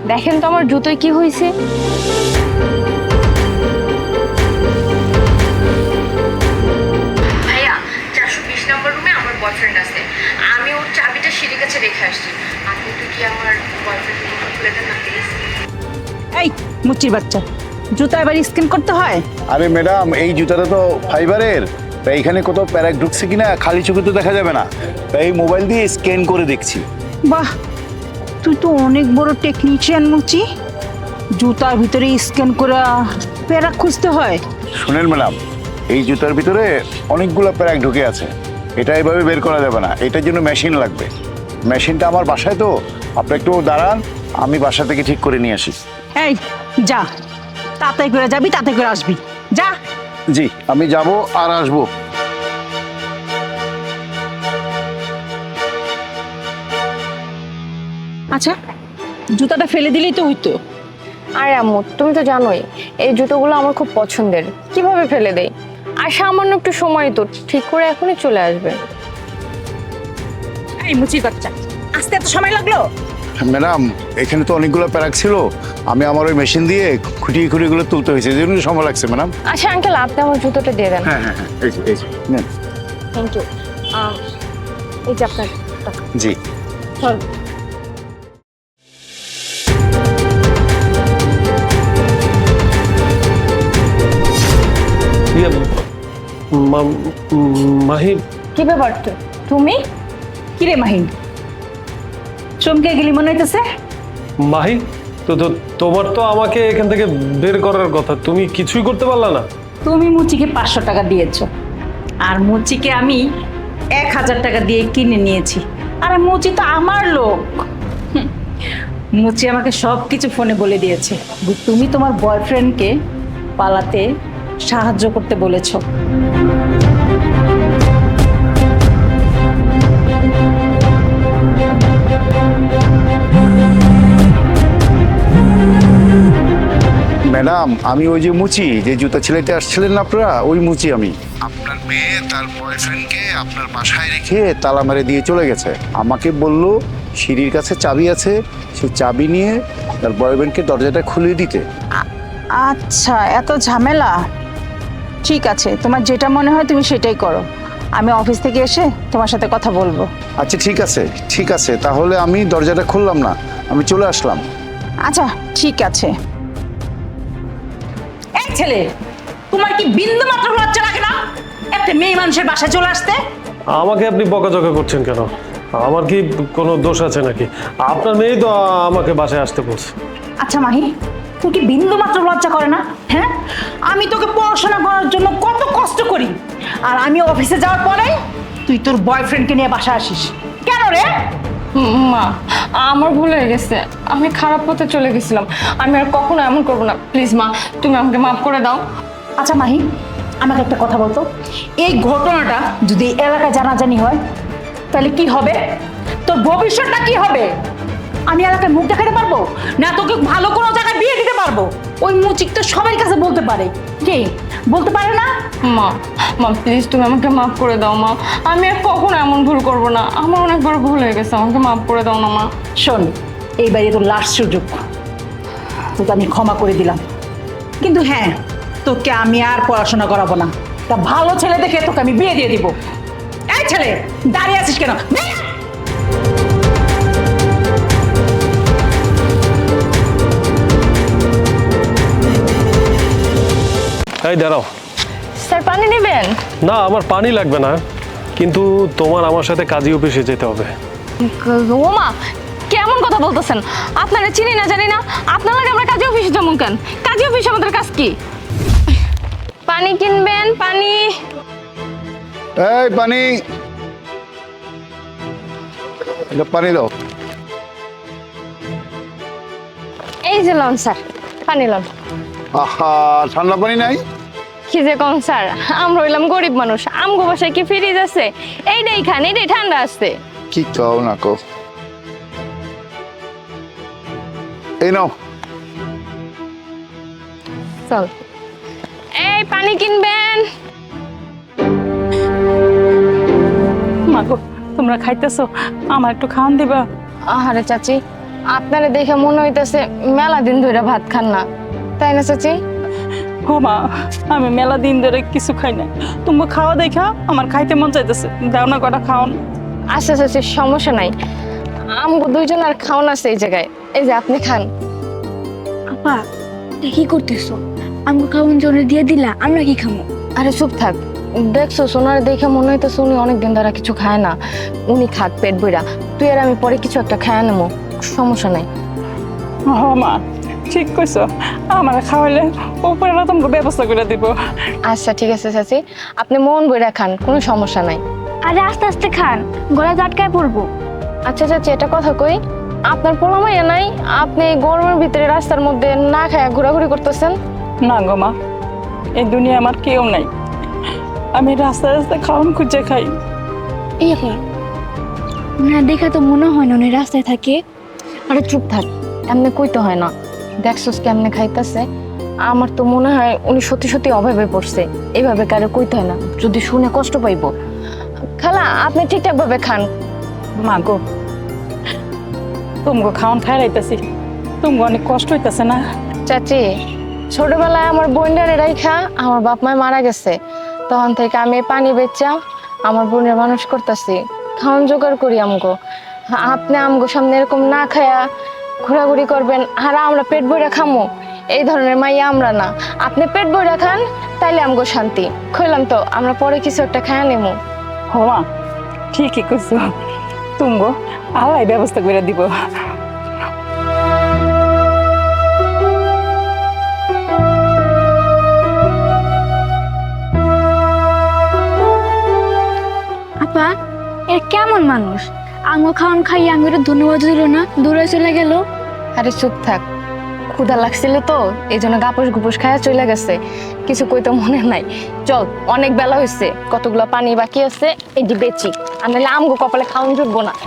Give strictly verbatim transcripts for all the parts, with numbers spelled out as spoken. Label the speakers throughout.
Speaker 1: দেখেন তো আমার জুতোয় কি হয়েছে।
Speaker 2: ভাইয়া চারশো বিশ নম্বর রুমে আমার বয়ফ্রেন্ড আছে, আমি ওর চাবিটা সিঁড়ির কাছে রেখে আসছি। আপনি একটু কি আমার বয়ফ্রেন্ডকে খুলে দেন না প্লিজ?
Speaker 3: এই মুচির বাচ্চা, জুতা এবার স্ক্যান করতে হয়?
Speaker 4: আরে ম্যাডাম, এই জুতাটা তো ফাইবারের, তাই এখানে কোথাও প্যারাক ঢুকছে কিনা খালি চোখে তো দেখা যাবে না, তাই এই মোবাইল দিয়ে স্ক্যান করে দেখছি।
Speaker 3: বাহ, তুই তো অনেক বড় টেকনিশিয়ান মুচি। জুতার ভিতরে স্ক্যান করা প্যারাক খুঁজতে হয়?
Speaker 4: শুনেন ম্যাডাম, এই জুতার ভিতরে অনেকগুলো প্যারাক ঢুকে আছে, এটা এভাবে বের করা যাবে না, এটার জন্য মেশিন লাগবে। মেশিনটা আমার বাসায়, তো আপনি একটু দাঁড়ান, আমি বাসা থেকে ঠিক করে নিয়ে আসি।
Speaker 3: এই যা, তাড়াতাড়ি করে যাবি, তাড়াতাড়ি করে আসবি, যা।
Speaker 4: জি, আমি যাব আর আসবো।
Speaker 3: আচ্ছা, জুতাটা ফেলে দিলেই তো হইতো।
Speaker 1: আরে আম্মু, তুমি তো জানোই এই জুতোগুলো আমার খুব পছন্দের, কিভাবে ফেলে দেই? আর সামান্য একটু সময় তো, ঠিক করে এখনই চলে আসবে।
Speaker 3: এই মুচির বাচ্চা, আসতে এত সময় লাগলো?
Speaker 4: ম্যাডাম, এখানে তো অনেকগুলো প্যারাক ছিল, আমি আমার ওই মেশিন দিয়ে খুঁটিয়ে খুঁটিয়ে তুলতে হয়েছে, এই জন্য সময় লাগছে ম্যাডাম।
Speaker 1: আচ্ছা আঙ্কেল, আপনি আমার জুতোটা দিয়ে দেন।
Speaker 4: হ্যাঁ হ্যাঁ হ্যাঁ, এই যে, এই যে, নেন।
Speaker 1: Thank you. এই যে আপনার টাকা।
Speaker 4: জি।
Speaker 1: চল।
Speaker 5: ইয়ে, মা- মাহি,
Speaker 1: কি ব্যাপার তো? তুমি
Speaker 3: কিরে মাহিন, চমকে গেলি মনে হইতেছে?
Speaker 5: মাহি তো তো তোমার তো আমাকে এখান থেকে বের করার কথা, তুমি কিছুই করতে পারলা না।
Speaker 3: তুমি মুচিকে পাঁচশো টাকা দিয়েছো, আর মুচিকে আমি এক হাজার টাকা দিয়ে কিনে নিয়েছি। আরে মুচি তো আমার লোক। হুম, মুচি আমাকে সব কিছু ফোনে বলে দিয়েছে। তুমি তোমার বয়ফ্রেন্ডকে পালাতে সাহায্য করতে বলেছো।
Speaker 4: ম্যাডাম, আমি ওই যে মুচি, যে জুতা ছেলেতে আসছিলেন না আপনারা, ওই মুচি আমি। আপনার মেয়ে তার বয়ফ্রেন্ডকে আপনার বাসায় রেখে তালা মেরে দিয়ে চলে গেছে। আমাকে বলল সিঁড়ির কাছে চাবি আছে, সেই চাবি নিয়ে তার বয়ফ্রেন্ডকে দরজাটা খুলে দিতে।
Speaker 3: আচ্ছা, এত ঝামেলা। ঠিক আছে, তোমার যেটা মনে হয় তুমি সেটাই করো। আমি অফিস থেকে এসে তোমার সাথে কথা বলবো।
Speaker 4: আচ্ছা ঠিক আছে, ঠিক আছে, তাহলে আমি দরজাটা খুললাম না, আমি চলে আসলাম।
Speaker 3: আচ্ছা ঠিক আছে। এই ছেলে, তোমার কি বিন্দু মাত্র লজ্জা লাগে না একটা মেয়ে মানুষের বাসায় চলে আসতে?
Speaker 5: আমাকে আপনি বকাঝকা করছেন কেন? আমার কি কোনো দোষ আছে নাকি? আপনার মেয়েই তো আমাকে বাসায় আসতে বলছে।
Speaker 3: আচ্ছা মাহি, তুই কি বিন্দু মাত্র লজ্জা করে না? হ্যাঁ, আমি তোকে পড়াশোনা করার জন্য কত কষ্ট করি, আর আমি অফিসে যাওয়ার পরে তুই তোর বয়ফ্রেন্ডকে নিয়ে বাসায় আসিস কেন রে?
Speaker 1: মা, আমার ভুল হয়ে গেছে, আমি খারাপ পথে চলে গেছিলাম, আমি আর কখনো এমন করবো না। প্লিজ মা, তুমি আমাকে মাফ করে দাও।
Speaker 3: আচ্ছা মাহি, আমাকে একটা কথা বলতো, এই ঘটনাটা যদি এলাকায় জানাজানি হয় তাহলে কি হবে? তোর ভবিষ্যৎটা কি হবে? আমি এলাকায় মুখ দেখাতে পারবো না? তোকে ভালো কোনো জায়গায় বিয়ে দিতে পারবো? ওই মুচিক তো সবাই কাছে বলতে পারে, কে বলতে পারে না?
Speaker 1: মা, মা প্লিজ তুমি আমাকে মাফ করে দাও মা, আমি আর কখনো এমন ভুল করবো না, আমার অনেক বড় ভুল হয়ে গেছে, আমাকে মাফ করে দাও না মা।
Speaker 3: শোন, এইবারে তোর লাস্ট সুযোগ, তোকে আমি ক্ষমা করে দিলাম, কিন্তু হ্যাঁ, তোকে আমি আর পড়াশোনা করাবো না। তা ভালো ছেলে দেখে তোকে আমি বিয়ে দিয়ে দিব। এই ছেলে, দাঁড়িয়ে আছিস কেন?
Speaker 5: এই দাঁড়াও।
Speaker 1: স্যার পানি নেবেন?
Speaker 5: না, আমার পানি লাগবে না, কিন্তু তোমার আমার সাথে কাজী অফিসে যেতে হবে।
Speaker 1: ও মা, কেমন কথা বলতেছেন? আপনারা চিনি না জানি না, আপনার লাগে আমরা কাজী অফিসে যেমন কেন? কাজী অফিস আমাদের কাজ কি? পানি কিনবেন? পানি।
Speaker 4: এই পানি, এটা পানি দাও।
Speaker 1: এই যে লন স্যার, পানি লন।
Speaker 4: আহা, ঠান্ডা পানি নাই?
Speaker 1: কি যে কম স্যার, আমরা হইলাম গরিব মানুষ, আমগো বাসায় কি ফ্রিজ আছে? এইটাই খান, এইটাই ঠান্ডা আছে।
Speaker 4: কি কও না কও, এই নাও।
Speaker 1: চল, এই পানি কিনবেন?
Speaker 3: মাগো, তোমরা খাইতেছো, আমার একটু খাওয়ান দিবা?
Speaker 1: আহারে চাচি, আপনারে দেখে মনে হইতেছে মেলা দিন ধরে ভাত খান না, তাই না চাচি?
Speaker 3: ও মা, আমি মেলা দিন ধরে কিছু খাই না। তুমি খাওয়া দেখা আমার খাইতে মন চাইতেছে, দাও না কটা খাওন।
Speaker 1: আচ্ছা চাচি, সমস্যা নাই, আমগো দুইজন আর খাওন আছে এই জায়গায়, এই যে আপনি খান।
Speaker 6: আপা এটা কি করতেছো? আমাকে খাওয়ান জন্য দিয়ে দিলা, আমরা কি খাবো?
Speaker 1: আরে চুপ থাক, দেখছো সোনার দেখে মনে হইতেছে উনি অনেকদিন ধরে কিছু খায় না, উনি খাক পেট বইরা, তুই আর আমি পরে কিছু একটা খায় নেবো, সমস্যা নাই।
Speaker 3: হ মা, ঠিক কইছো, আমার খাওয়াইলে উপরে না তোমাকে ব্যবস্থা করে দিব।
Speaker 1: আচ্ছা ঠিক আছে চাচি, আপনি মন বইরা খান, কোনো সমস্যা নাই।
Speaker 6: আরে আস্তে আস্তে খান, গলা আটকায় পড়বো।
Speaker 1: আচ্ছা চাচি, এটা কথা কই, আপনার পোলামাইয়া নাই, আপনি এই গরমের ভিতরে রাস্তার মধ্যে না খায়া ঘোরাঘুরি করতেছেন?
Speaker 3: না গো মা, এই দুনিয়া আমার কেউ নাই, আমি রাস্তায় রাস্তায় খাওয়ান খুঁজে খাই।
Speaker 6: এই আপা, না দেখা তো মনে হয় না উনি রাস্তায় থাকে।
Speaker 1: আরে চুপ থাক, এমনি কইতে হয় না, দেখছোস কেমনে খাইতেছে, আমার তো মনে হয় উনি সত্যি সত্যি অভাবে পড়ছে, এইভাবে কারো কইতে হয় না, যদি শুনে কষ্ট পাইবো। খালা আপনি ঠিকঠাক ভাবে খান।
Speaker 3: মা গো, তুমি খাওয়ান খাই রাইতেছি, তুমি অনেক কষ্ট হইতেছে না?
Speaker 1: চাচি, ছোটবেলায় আমার বোনটারে রাইখা আমার বাপ মায় মারা গেছে, তখন থেকে আমি এই পানি বেচা আমার বোনের মানুষ করতেছি, খাওয়ান জোগাড় করি আমগো। আপনি আমগো সামনে এরকম না খায়া ঘোরাঘুরি করবেন আর আমরা পেট ভরে খামো, এই ধরনের মাইয়া আমরা না। আপনি পেট ভরে খান, তাইলে আমগো শান্তি। কইলাম তো আমরা পরে কিছু একটা খায়া নেবো।
Speaker 3: হো মা, ঠিকই কইছো, তুমি আল্লাহ ব্যবস্থা করে দিব।
Speaker 6: আপা এর কেমন মানুষ? আঙ্গুর খাওয়ান খাইয়ে আঙ্গুর ধন্যবাদ দিল না, দূরে চলে গেল।
Speaker 1: আরে চুপ থাক, ক্ষুধা লাগছিল তো এই জন্য গাপুস গুপুস খায়া চলে গেছে, কিছু কইতে মনে নাই। চল, অনেক বেলা হয়েছে, কতগুলো পানি বাকি আছে, এটি বেচি, আর নাহলে আমগো কপালে খাওয়ান জুটবো না।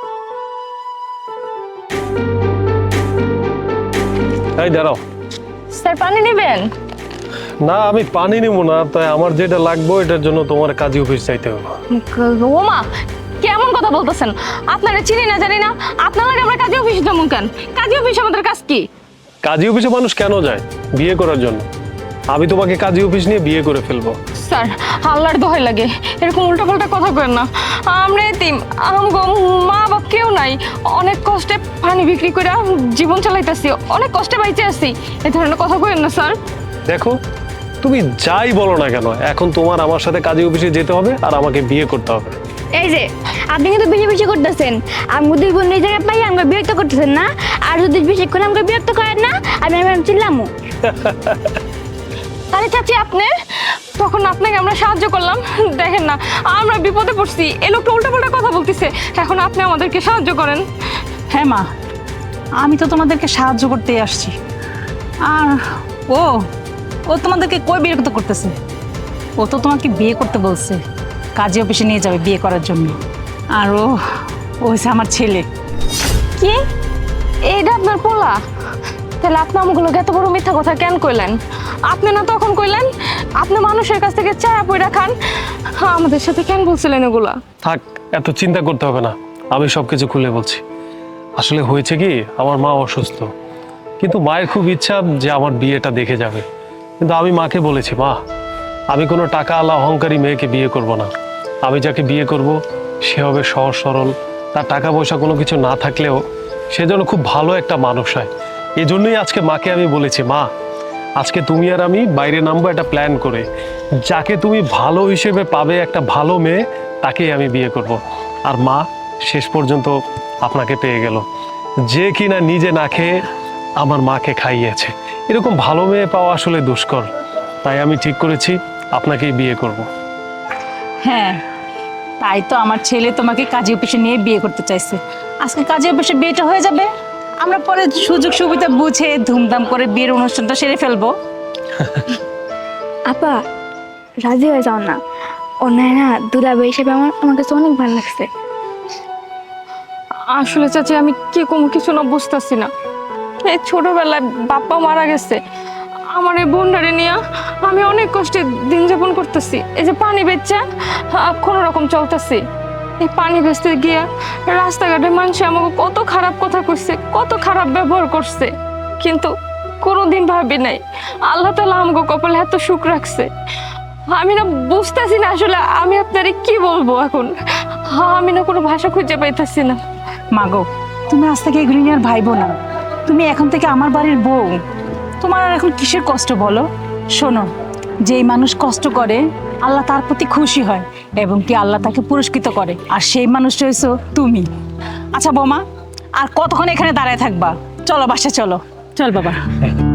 Speaker 5: এই দাঁড়াও।
Speaker 1: স্যার পানি নেবেন?
Speaker 5: না, আমি পানি নিব না, তাই আমার যেটা লাগবে এটার জন্য তোমার কাজী অফিস চাইতে হবে।
Speaker 1: ওমা, কেমন কথা বলতেছেন? আপনারা চিনি না জানি না, আপনার লাগে আমরা কাজী অফিসে যাবো কেন? কাজী অফিস আমাদের কাজ কি?
Speaker 5: কাজী অফিসে মানুষ কেন যায়? বিয়ে করার জন্য। আমি তোমাকে কাজী অফিস নিয়ে বিয়ে করে ফেলবো।
Speaker 1: স্যার, আল্লাহর দোহাই লাগে, এরকম উল্টাপাল্টা কথা কেন না। আমরা এতিম, আমগো মা বাপ কেউ নাই, অনেক কষ্টে পানি বিক্রি করে জীবন চালাইতেছি, অনেক কষ্টে বাইচে আছি, এই ধরনের কথা কেন না স্যার।
Speaker 5: দেখো, তুমি যাই বলো না কেন, এখন তোমার আমার সাথে কাজী অফিসে যেতে হবে আর আমাকে বিয়ে করতে হবে।
Speaker 6: এই যে আপনি কিন্তু বেশি বেশি করতেছেন, আমি দুই বোন এই জায়গায় পাই আমাকে বিরক্ত করতেছেন না? আর যদি বেশি করে আমাকে বিরক্ত করেন না, আমি আমি চিল্লামো।
Speaker 1: আরে চাচি, আপনি তখন আপনাকে আমরা সাহায্য করলাম, দেখেন না আমরা বিপদে পড়ছি, এই লোকটা উল্টাপাল্টা কথা বলতেছে, এখন আপনি আমাদেরকে সাহায্য করেন।
Speaker 3: হ্যাঁ মা, আমি তো তোমাদেরকে সাহায্য করতেই আসছি। আর ও ও তোমাদেরকে কই বিরক্ত করতেছে? ও তো তোমাকে বিয়ে করতে বলছে, কাজী অফিসে নিয়ে যাবে বিয়ে করার জন্য। আর ও ও হচ্ছে আমার ছেলে।
Speaker 1: কি, এইটা আপনার পোলা? তাহলে আপনি আমগুলো এত বড় মিথ্যা কথা কেন কইলেন? আপনি না তখন কইলেন আপনি মানুষের কাছ থেকে চায়া পয়রা খান, আমাদের সাথে কেন বলছিলেন এগুলা?
Speaker 5: থাক, এত চিন্তা করতে হবে না, আমি সবকিছু খুলে বলছি। আসলে হয়েছে কি, আমার মা অসুস্থ, কিন্তু মায়ের খুব ইচ্ছা যে আমার বিয়েটা দেখে যাবে, কিন্তু আমি মাকে বলেছি, মা আমি কোনো টাকা আলা অহংকারী মেয়েকে বিয়ে করব না, আমি যাকে বিয়ে করব সে হবে সহজ সরল, তার টাকা পয়সা কোনো কিছু না থাকলেও সে যেন খুব ভালো একটা মানুষ হয়। এই জন্যই আজকে মাকে আমি বলেছি, মা আজকে তুমি আর আমি বাইরে নামবো একটা প্ল্যান করে, যাকে তুমি ভালো হিসেবে পাবে একটা ভালো মেয়ে, তাকেই আমি বিয়ে করব। আর মা শেষ পর্যন্ত আপনাকে পেয়ে গেল, যে কিনা নিজে না খেয়ে আমার মাকে খাইয়েছে। এরকম ভালো মেয়ে পাওয়া আসলে দুষ্কর, তাই আমি ঠিক করেছি আপনাকেই বিয়ে করব।
Speaker 3: হ্যাঁ, তাই তো আমার ছেলে তোমাকে কাজী অফিসে নিয়ে বিয়ে করতে চাইছে। আজকে কাজী অফিসে বিয়েটা হয়ে যাবে, আমরা পরে সুযোগ সুবিধা বুঝে ধুমধাম করে বিয়ের অনুষ্ঠানটা সেরে ফেলবো।
Speaker 6: আপা রাজি হয়ে যাও না, অন্যায় না দুলাভাই হিসেবে আমার আমার কাছে অনেক ভালো লাগছে।
Speaker 1: আসলে চাচি আমি কি কোনো কিছু না বুঝতেছি না, এই ছোটবেলায় বাপ্পা মারা গেছে, আমার এই বোনটারে নিয়ে আমি অনেক কষ্টে দিন যাপন করতেছি, এই যে পানি বেচা কোনো রকম চলতেছি। এই পানি বেচতে গিয়া রাস্তাঘাটে মানুষ আমাকে কত খারাপ কথা কইছে, কত খারাপ ব্যবহার করছে, কিন্তু কোনোদিন ভাবি নাই আল্লাহ তাআলা আমাকে কপালে এত সুখ রাখছে। আমি না বুঝতেছি না আসলে আমি আপনারে কি বলবো এখন, আমি না কোনো ভাষা খুঁজে পাইতেছি না।
Speaker 3: মাগো, তুমি আজ থেকে এগুলি নিয়ে আর ভাইবো না। তুমি এখন থেকে আমার বাড়ির বউ, তোমার আর এখন কিসের কষ্ট বলো? শোনো, যেই মানুষ কষ্ট করে আল্লাহ তার প্রতি খুশি হয় এবং কি আল্লাহ তাকে পুরস্কৃত করে, আর সেই মানুষটা হইছো তুমি। আচ্ছা বৌমা, আর কতক্ষণ এখানে দাঁড়ায় থাকবা? চলো বাসা চলো, চল বাবা।